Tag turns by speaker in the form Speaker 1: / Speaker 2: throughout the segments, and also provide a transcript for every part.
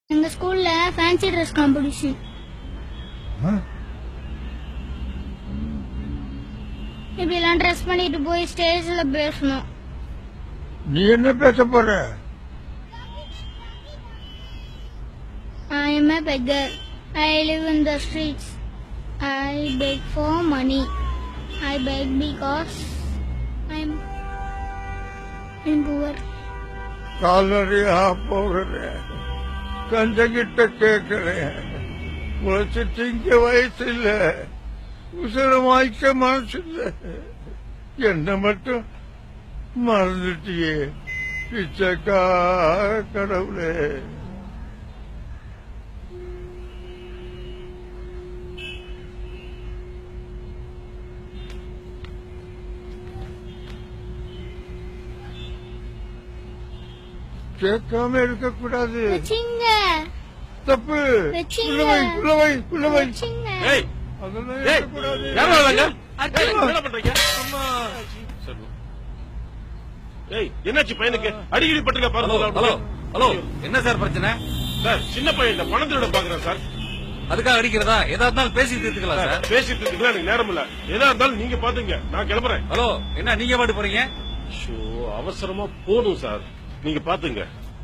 Speaker 1: எங்க ஸ்கூல்ல fancy dress competition. இப்படி எல்லாம் ட்ரெஸ் பண்ணிட்டு போய் ஸ்டேஜ்ல பேசணும்.
Speaker 2: நீ என்ன பேச போற?
Speaker 1: I am a beggar. I live in the streets. I beg for money. I beg because I'm poor.
Speaker 2: கால்நடையா போகிறேன், கஞ்சங்கிட்ட கேட்கிறேன். உழைச்சு திங்க வயசு இல்ல, உசரமாய்க்க மனசு இல்ல. என்ன மட்டும் மறந்துட்டியே பிச்சைக்கா கடவுளே. கேட்காம இருக்க கூடாது, தப்பு.
Speaker 3: என்னாச்சு பையனுக்கு? அடிக்கடி பட்டுக்க பாருங்க.
Speaker 4: ஹலோ, என்ன சார் பிரச்சனை?
Speaker 3: சார் சின்ன பையன் பணம் திருட பாக்குறேன் சார்.
Speaker 4: அதுக்காக அடிக்கிறதா? எதா இருந்தாலும் பேசிட்டு இருக்கலாம் சார்.
Speaker 3: பேசிட்டு இருக்கலாம், எனக்கு நேரம் இல்ல. எதா இருந்தாலும் நீங்க பாத்துங்க, நான் கிளம்புறேன்.
Speaker 4: ஹலோ, என்ன நீங்க பாட்டு போறீங்க?
Speaker 3: அவசரமா போதும் சார், நீங்க பாத்துங்க.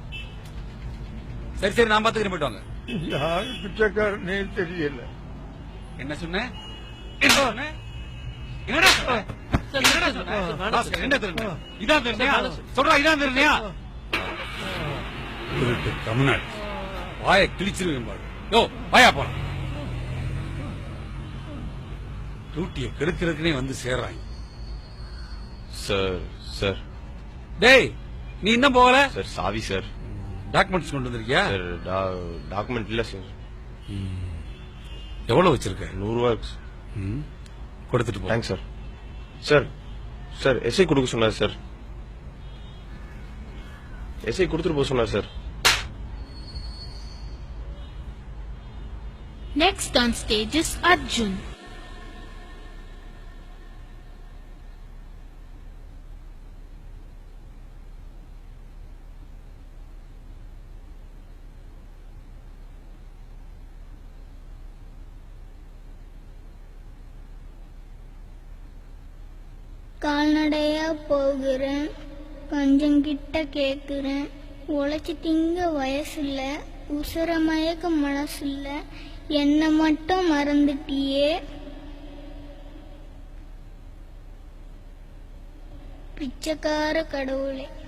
Speaker 4: சரி நான் பாத்துக்கிறேன், போயிட்டு வாங்க.
Speaker 2: யாரு பிச்சைக்காரனே தெரியல.
Speaker 4: என்ன சொன்ன? இதான் தெரியா? சொல்றா, இதான் தெரியா? தமிழ்நாடு வாய கிழிச்சிருவேன் பாரு. யோ, வாயா போறான். டூட்டிய கெடுக்கிறதுக்குனே வந்து சேர்றாங்க.
Speaker 3: சார்
Speaker 4: டேய், நீ இன்னும் போகல?
Speaker 3: சார் சாவி சார்.
Speaker 4: டாக்குமெண்ட்ஸ் கொண்டு வந்திருக்கியா?
Speaker 3: சார் டாக்குமெண்ட் இல்ல சார்.
Speaker 4: எவ்வளவு வச்சிருக்க?
Speaker 3: 100 ரூபாய்
Speaker 4: கொடுத்துட்டு போ.
Speaker 3: Thanks sir. Sir sir SI கொடுக்க சொன்னார் சார். எஸ்ஐ கொடுத்துட்டு போக சொன்னார் sir.
Speaker 5: Next on stage is Arjun.
Speaker 1: கால்நடையா போகிறேன், கஞ்சங்கிட்ட கேக்குறேன். உழைச்சி திங்க வயசு இல்ல, உசுர மயக்க மனசு இல்ல. என்ன மட்டும் மறந்துட்டியே பிச்சைக்கார கடவுளே.